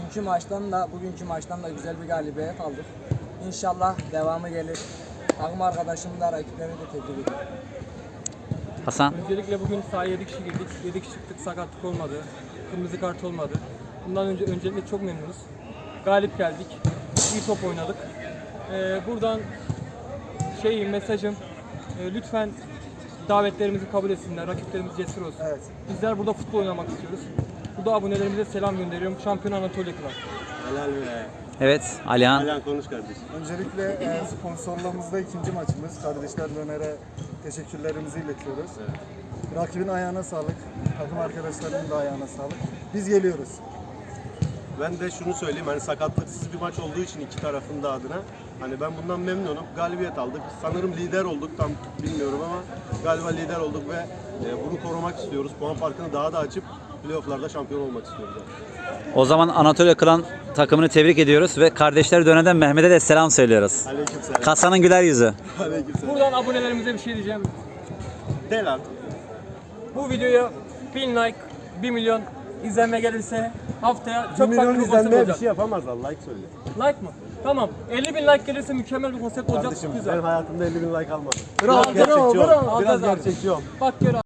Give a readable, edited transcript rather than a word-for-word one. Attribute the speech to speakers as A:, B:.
A: dünkü maçtan da bugünkü maçtan da güzel bir galibiyet aldık. İnşallah devamı gelir. Takım arkadaşımı da rakiplerimi de tebrik ediyorum.
B: Hasan.
C: Öncelikle bugün sahaya 7 kişi girdik. 7 kişi çıktık, sakatlık olmadı. Kırmızı kart olmadı. Bundan öncelikle çok memnunuz. Galip geldik. İyi top oynadık. Buradan mesajım lütfen davetlerimizi kabul etsinler. Rakiplerimiz cesur olsun.
A: Evet.
C: Bizler burada futbol oynamak istiyoruz. Burada abonelerimize selam gönderiyorum. Şampiyon Anatolia Club.
D: Helal be.
B: Evet, Alihan.
D: Alihan konuş kardeşim.
E: Öncelikle sponsorluğumuzda ikinci maçımız. Kardeşler Döner'e teşekkürlerimizi iletiyoruz. Rakibin ayağına sağlık, takım arkadaşlarının da ayağına sağlık. Biz geliyoruz.
D: Ben de şunu söyleyeyim, hani sakatlıksız bir maç olduğu için iki tarafın da adına hani ben bundan memnunum. Galibiyet aldık. Sanırım lider olduk, tam bilmiyorum ama galiba lider olduk ve bunu korumak istiyoruz. Puan farkını daha da açıp playoff'larda şampiyon olmak istiyoruz.
B: O zaman Anatolia Klan takımını tebrik ediyoruz ve kardeşler döneden Mehmet'e de selam söylüyoruz.
D: Aleykümselam.
B: Kasanın güler yüzü.
D: Aleykümselam.
C: Buradan abonelerimize bir şey diyeceğim.
D: De lan.
C: Bu videoya 1000 like, 1 milyon izlenme gelirse haftaya çok farklı
D: Milyon
C: bir konsept
D: izlenmeye bir
C: olacak.
D: şey yapamazlar, like söyle.
C: Like mı? Tamam. 50 bin like gelirse mükemmel bir konsept olacak.
D: Kardeşim
C: Güzel.
D: ben hayatımda 50.000 like almadım.
C: Bravo,
D: Biraz gerçekçi ol.
C: bravo.
D: Biraz
C: Al, al.
D: gerçekçi ol.
C: Bak gör.